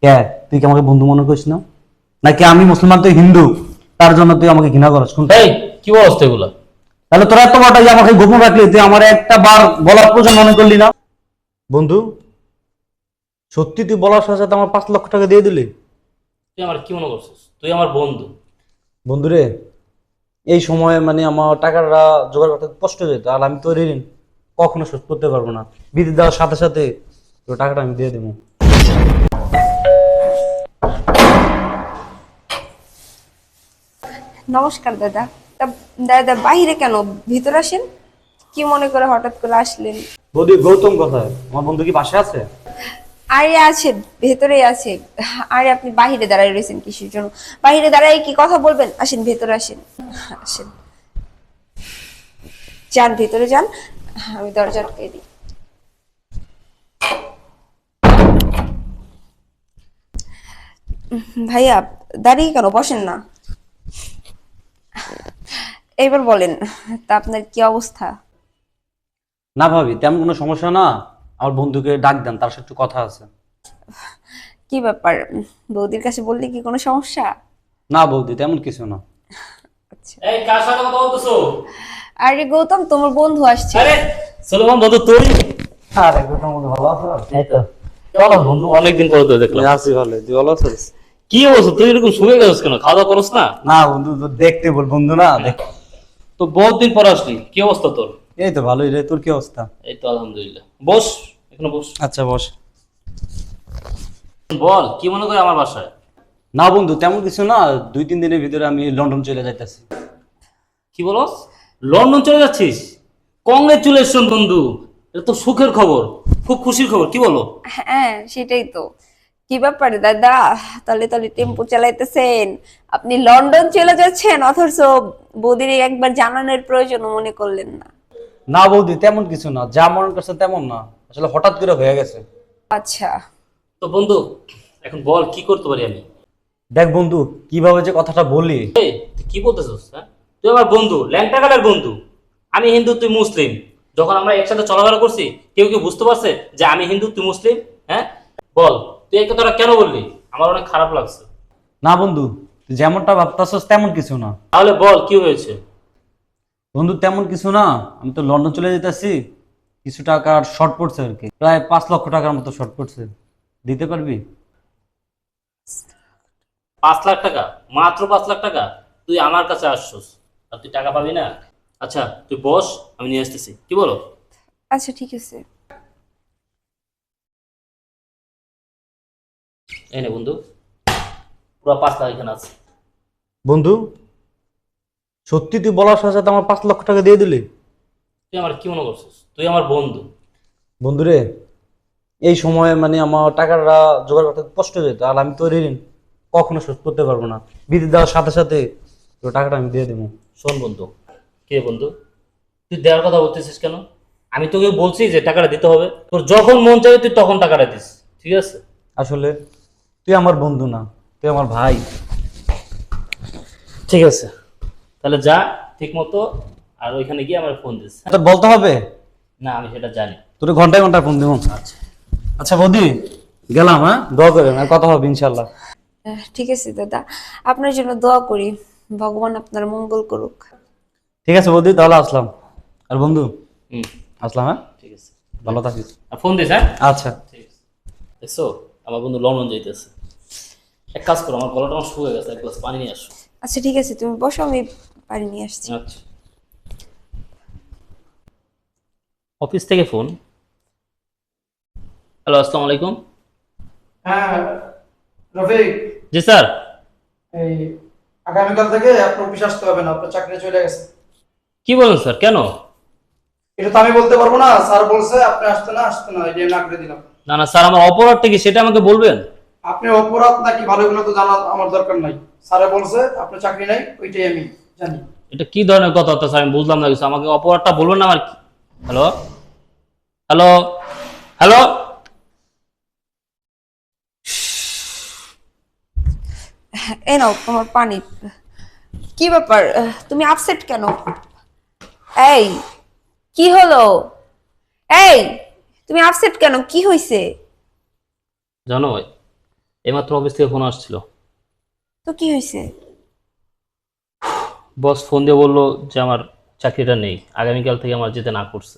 কে তুই কি আমাকে বন্ধু মনে করিস না? নাকি আমি মুসলমান তুই হিন্দু, তার জন্য তুই আমাকে ঘৃণা করিস? কোনটা? এই কি অবস্থা এগুলা? তাহলে তোরা এত বড়টা যে আমাকে গোপন রাখলি, তুই আমার একটা বার বলার প্রয়োজন মনে করলি না? বন্ধু, সত্যি তুই বলার সাথে সাথে আমার 5 লক্ষ টাকা দিয়ে দিলি? তুই আমার কি মনে করছিস? তুই আমার বন্ধু। বন্ধুরে, এই সময়ে আমার টাকাটা জোগাড় করতে কষ্ট হয়ে যেত, আর আমি তো ঋণ কখনো শোধ করতে পারবো না। বিদ্যুৎ দেওয়ার সাথে সাথে তোর টাকাটা আমি দিয়ে দেবো। নমস্কার দাদা। তা দাদা বাইরে কেন, ভিতর আসেন। কি মনে করে হঠাৎ করে আসলেন? বৌদি, গৌতম কোথায়? আমার বন্ধু কি পাশে আছে? আরে আছে, ভেতরে আছে। আরে আপনি বাইরে দাঁড়ায় রয়েছেন কিসের জন্য? বাইরে দাঁড়ায় কি কথা বলবেন? আসেন ভেতরে আসেন। আসেন, যান ভেতরে যান, আমি দরজা আটকে দিই। ভাইয়া দাঁড়িয়ে কেন, বসেন না। এবার বলেন, তা আপনার কি অবস্থা? না ভাবি, তেমন কোনো সমস্যা না। আমার বন্ধুকে ডাক দেন, তার সাথে একটু কথা আছে। কি ব্যাপার, বৌদির কাছে বললে কি কোনো সমস্যা? না বৌদি, তেমন কিছু না। আচ্ছা। এই কার সাথে কথা বলতেছো? আরে গৌতম, তোমার বন্ধু আসছে। আরে সুলেমান বন্ধু তুই? আরে গৌতম বন্ধু, ভালো আছো? এই তো চলো বন্ধু, অনেকদিন পরে তো দেখলাম। আছি ভালো, তুই ভালো আছিস? কি অবস্থা? তুই এরকম শুয়ে গেছিস কেন? খাওয়া দাওয়া করছ না? না বন্ধু, তো দেখতে বল, বন্ধু না দেখ। তো বহুত দিন পর আসলি, কি অবস্থা তোর? এই তো ভালোই রে, তোর কি অবস্থা? এই তো আলহামদুলিল্লাহ। বস, এখানে বস। আচ্ছা বস। বল, কি মনে করে আমার বাসায়? না বন্ধু, তেমন কিছু না। 2-3 দিনের ভিতরে আমি লন্ডন চলে যাইতেছি। কি বলস? লন্ডন চলে যাচ্ছিস? কংগ্রেচুলেশন বন্ধু, এটা তো সুখের খবর, খুব খুশির খবর। কি বলো? হ্যাঁ সেটাই তো। কি ব্যাপারে দাদা, তাহলে তাহলে টেম্পো চালাইতেছেন, আপনি লন্ডন চলে যাচ্ছেন, অথচ বৌদির একবার জানানোর প্রয়োজন মনে করলেন না? না বৌদি, তেমন কিছু না, যা মনে করছে তেমন না, আসলে হঠাৎ করে হয়ে গেছে। আচ্ছা। তো বন্ধু, এখন বল কি করতে পারি আমি? দেখ বন্ধু, কিভাবে যে কথাটা বলি। এই, তুই কি বলতেছিস? হ্যাঁ, তুই আমার বন্ধু, ল্যাংটা কাটার বন্ধু। আমি হিন্দু, তুই মুসলিম। যখন আমরা একসাথে চলাফেরা করছি, কেউ কি বুঝতে পারছে যে আমি হিন্দু তুই মুসলিম? হ্যাঁ, বল তুই এই কথাটা কেন বললি? আমার অনেক খারাপ লাগছে। না বন্ধু, তুই যেমনটা ভাবতাছস তেমন কিছু না। তাহলে বল কি হয়েছে? বন্ধু তেমন কিছু না, আমি তো লন্ডন চলে যেতেছি, কিছু টাকার শর্ট পড়ছে আর কি, প্রায় 5 লক্ষ টাকার মতো শর্ট পড়ছে। দিতে পারবি? 5 লাখ টাকা? মাত্র 5 লাখ টাকা? তুই আমার কাছে আসছস আর তুই টাকা পাবি না? আচ্ছা তুই বস, আমি নিয়ে আসতেছি। কি বলো? আচ্ছা ঠিক আছে। এই নে বন্ধু, পুরো 5 লাখ এখানে আছে। বন্ধু, সত্যি তুই বলার সাথে সাথে আমার 5 লক্ষ টাকা দিয়ে দিলি? তুই আমার কি মনে করছিস? তুই আমার বন্ধু। বন্ধুরে, এই সময়ে আমার টাকাটা জোগাড় করতে কষ্ট হয়ে যেত, আর আমি তো ঋণ কখনো শোধ করতে পারবো না। বিদ্যুৎ দেওয়ার সাথে সাথে তোর টাকাটা আমি দিয়ে দেবো। শোন বন্ধু। কে বন্ধু? তুই দেওয়ার কথা বলতেছিস কেন? আমি তোকে বলছি যে টাকাটা দিতে হবে, তোর যখন মন চাইবে তুই তখন টাকাটা দিস, ঠিক আছে? আসলে তুই আমার বন্ধু না, তুই আমার ভাই। ঠিক আছে, তাহলে যা ঠিক মতো, আর ওইখানে গিয়ে আমার ফোন দিস। তোর বলতে হবে না, আমি সেটা জানি। তোর ঘন্টায় ঘন্টায় ফোন দেবো। আচ্ছা। আচ্ছা বৌদি, গেলাম। হ্যাঁ, দোয়া করেন, আর কথা হবে ইনশাল্লাহ। ঠিক আছে দাদা, আপনার জন্য দোয়া করি, ভগবান আপনার মঙ্গল করুক। ঠিক আছে বৌদি, তাহলে আসলাম। আর বন্ধু, হুম, আসলাম। হ্যাঁ, ঠিক আছে। ভালো থাকিস। আর ফোন দিস, হ্যাঁ? আচ্ছা। ঠিক আছে। দেখছো, আমার বন্ধু লন্ডন যাইতেছে। এক কাজ করো, আমার গলাটা আমার শুয়ে গেছে, এক গ্লাস পানি নিয়ে আসো। আচ্ছা ঠিক আছে, তুমি বসো, আমি পানি নিয়ে আসছি। আচ্ছা। অফিস থেকে ফোন। হ্যালো, আসসালামু আলাইকুম। হ্যাঁ রফিক, জি স্যার। এই আগামীকাল থেকে আপনার অফিস আসতে হবে না, আপনার চাকরি চলে গেছে। কি বলেন স্যার, কেন? এটা তো আমি বলতে পারবো না, স্যার বলছে আপনি আসতে না এটা আমি না করে দিলাম। না না স্যার, আমার অপরাধটা কি সেটা আমাকে বলবেন। আপনি অপরাধ নাকি ভালো গুলো তো জানা আমার দরকার নাই, স্যারে বলছে আপনার চাকরি নাই, ওইটাই আমি জানি। এটা কি ধরনের কথা স্যার, আমি বুঝলাম না কিছু, আমাকে অপরাধটা বলবেন না আমার। Hello hello hello. এই নাও তোমার পানি। কি ব্যাপার, তুমি আপসেট কেন? এই, কি হলো? এই, তুমি আপসেট কেন, কি হয়েছে? জানো ভাই, এইমাত্র অফিস থেকে ফোন আসছিল। তো কি হয়েছে? বস ফোন দিয়ে বললো যে আমার চাকরিটা নেই, আগামীকাল থেকে আমার যেতে না করছে।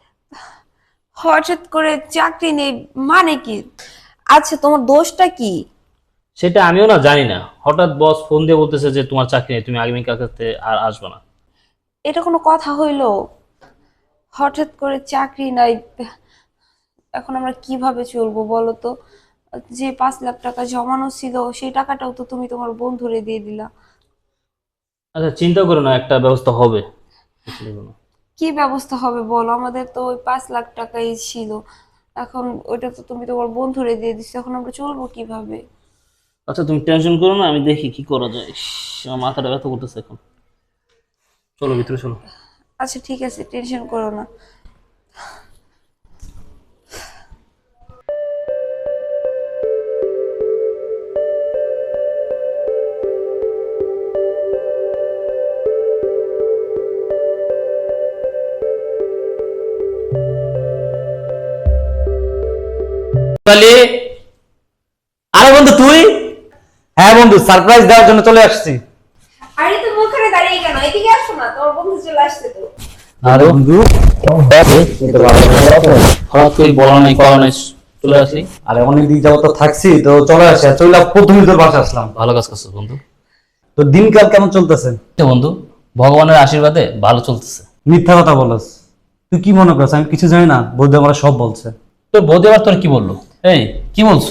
হঠাৎ করে চাকরি নেই মানে কি? আচ্ছা, তোমার দোষটা কি? সেটা আমিও না জানি না, হঠাৎ বস ফোন দিয়ে বলতেছে যে তোমার চাকরি নেই, তুমি আগামীকাল থেকে আর আসবে না। এটা কোনো কথা হইলো? হঠাৎ করে চাকরি নাই, এখন আমরা কিভাবে চলবো বলো তো? যে 5 লাখ টাকা জমানো ছিল সেই টাকাটাও তো তুমি তোমার বন্ধুরে দিয়ে দিলা। আচ্ছা চিন্তা করো না, একটা ব্যবস্থা হবে। কি ব্যবস্থা হবে বলো? আমাদের তো ওই 5 লাখ টাকাই ছিল, এখন ওইটা তো তুমি তোমার বন্ধুরে দিয়ে দিচ্ছ, এখন আমরা চলবো কিভাবে? আচ্ছা তুমি টেনশন করো না, আমি দেখি কি করা যায়। ইস, আমার মাথাটা ব্যথা করতেছে এখন। চলো ভিতরে চলো। আচ্ছা ঠিক আছে, টেনশন করো না। তাহলে আরে বন্ধু তুই? হ্যাঁ বন্ধু, সারপ্রাইজ দেওয়ার জন্য চলে আসছি। আরে তুমি ওখানে দাঁড়িয়ে কেন? এদিকে আসো না, তোমার বন্ধু চলে আসছে তো। আরে বন্ধু, হঠাৎ করে বলা নাই করা নাই, চলে আসি। আরে অনেক দিন যাবত তো থাকছি, তো চলে আসি। চলে প্রথমে তোর বাসা আসলাম। ভালো কাজ করছো বন্ধু। তো দিনকাল কেমন চলতেছে? বন্ধু ভগবানের আশীর্বাদে ভালো চলতেছে। মিথ্যা কথা বলস। তুই কি মনে করছ আমি কিছু জানি না? বৌদি আমরা সব বলছে। তোর বৌদি আবার তোর কি বললো? এই কি বলছো?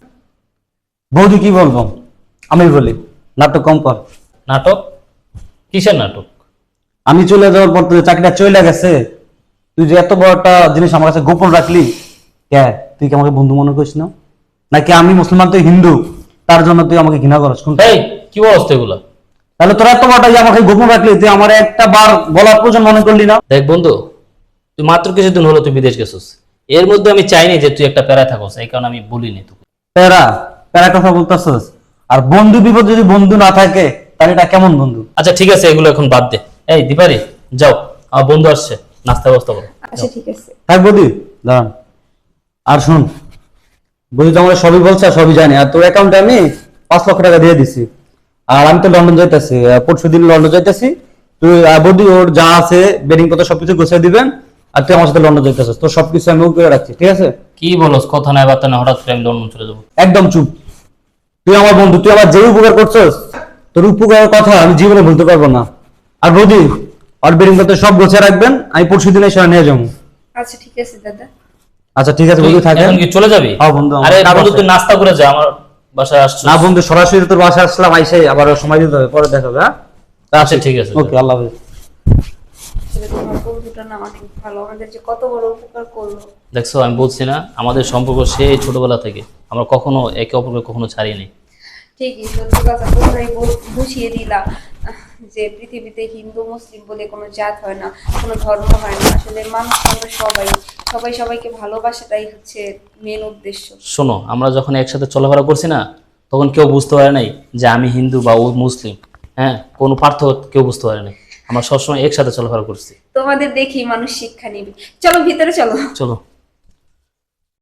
বৌদি কি বলবো, আমি বলি নাটক কম কর। নাটক? কিসের নাটক? আমি চলে যাওয়ার পর তোর চাকরিটা চলে গেছে, তুই যে এত বড় একটা জিনিস আমার কাছে গোপন রাখলি, কে তুই কি আমাকে বন্ধু মনে করিস না? নাকি আমি মুসলমান তুই হিন্দু, তার জন্য তুই আমাকে ঘৃণা করস? কোনটা? এই কি বলছ এগুলা? তাহলে তোরা এত বড়টা যে আমাকে গোপন রাখলি, তুই আমার একটা বার বলার প্রয়োজন মনে করলি না? দেখ বন্ধু, তুই মাত্র কিছুদিন হলো তুই বিদেশ গেছিস, এর মধ্যে আমি চাইনি যে তুই একটা প্যারায় থাকস, এই কারণে আমি বলিনি তোকে। প্যারা প্যারা কথা বলতেছস? আর বন্ধু বিপদ যদি বন্ধু না থাকে তাহলে এটা কেমন বন্ধু? আচ্ছা ঠিক আছে, এগুলো এখন বাদ দে। এই দীপারি যাও, আমার বন্ধু আসছে, নাস্তা ব্যবস্থা করো। আচ্ছা ঠিক আছে। থাক বৌদি, দাঁড়ান। আর শুন, বৌদি তো আমরা সবই বলছে আর সবই জানি, আর তোর অ্যাকাউন্টে আমি 5 লক্ষ টাকা দিয়ে দিছি। আর আমি তো লন্ডন যাইতেছি, পরশু দিন লন্ডন যাইতেছি। তুই বৌদি ওর যা আছে বেডিং পত্র সবকিছু গুছিয়ে দিবেন, আর তুই আমার সাথে লন্ডন যাইতেছিস, তোর সবকিছু আমি করে রাখছি, ঠিক আছে? কি বলস, কথা নাই বার্তা না, হঠাৎ করে আমি লন্ডন চলে যাবো? একদম চুপ। তুই আমার বন্ধু, তুই আমার যে উপকার করছিস, তোর উপকারের কথা আমি জীবনে ভুলতে পারবো না। আর বৌদি আর বেডিং পত্র সব গুছিয়ে রাখবেন, আমি পরশু দিনে সেটা নিয়ে যাবো। আচ্ছা ঠিক আছে দাদা। আচ্ছা ঠিক আছে তুই বন্ধু, থাকেন। এখন কি চলে যাবি? হ্যাঁ বন্ধু, আমার আরে কাজ বন্ধু আছে। তুই নাস্তা করে যা, আমার বাসায় আসছিস। না বন্ধু, সরাসরি তোর বাসায় আসলাম, আইসে আবার সময় দিতে হবে, পরে দেখাবে। হ্যাঁ আচ্ছা ঠিক আছে। ওকে, আল্লাহ হাফেজ। আসলে তোমার বন্ধুটা না অনেক ভালো, আমাদের যে কত বড় উপকার করলো। দেখছো আমি বলছি না, আমাদের সম্পর্ক সেই ছোটবেলা থেকে আমরা কখনো একে অপরকে কখনো ছাড়িনি। ঠিকই, সত্যি কথা তোমরাই বুঝিয়ে দিলা যে পৃথিবীতে হিন্দু মুসলিম বলে কোনো জাত হয় না, কোনো ধর্ম হয় না। আসলে মানুষ আমরা সবাই সবাই সবাইকে ভালোবাসাটাই হচ্ছে মেন উদ্দেশ্য। শোনো, আমরা যখন একসাথে চলাফেরা করছি না, তখন কেউ বুঝতে পারে নাই যে আমি হিন্দু বা ও মুসলিম। হ্যাঁ, কোনো পার্থক্য কেউ বুঝতে পারে নাই, আমরা সবসময় একসাথে চলাফেরা করছি। তোমাদের দেখি মানুষ শিক্ষা নিবে। চলো ভিতরে চলো। চলো।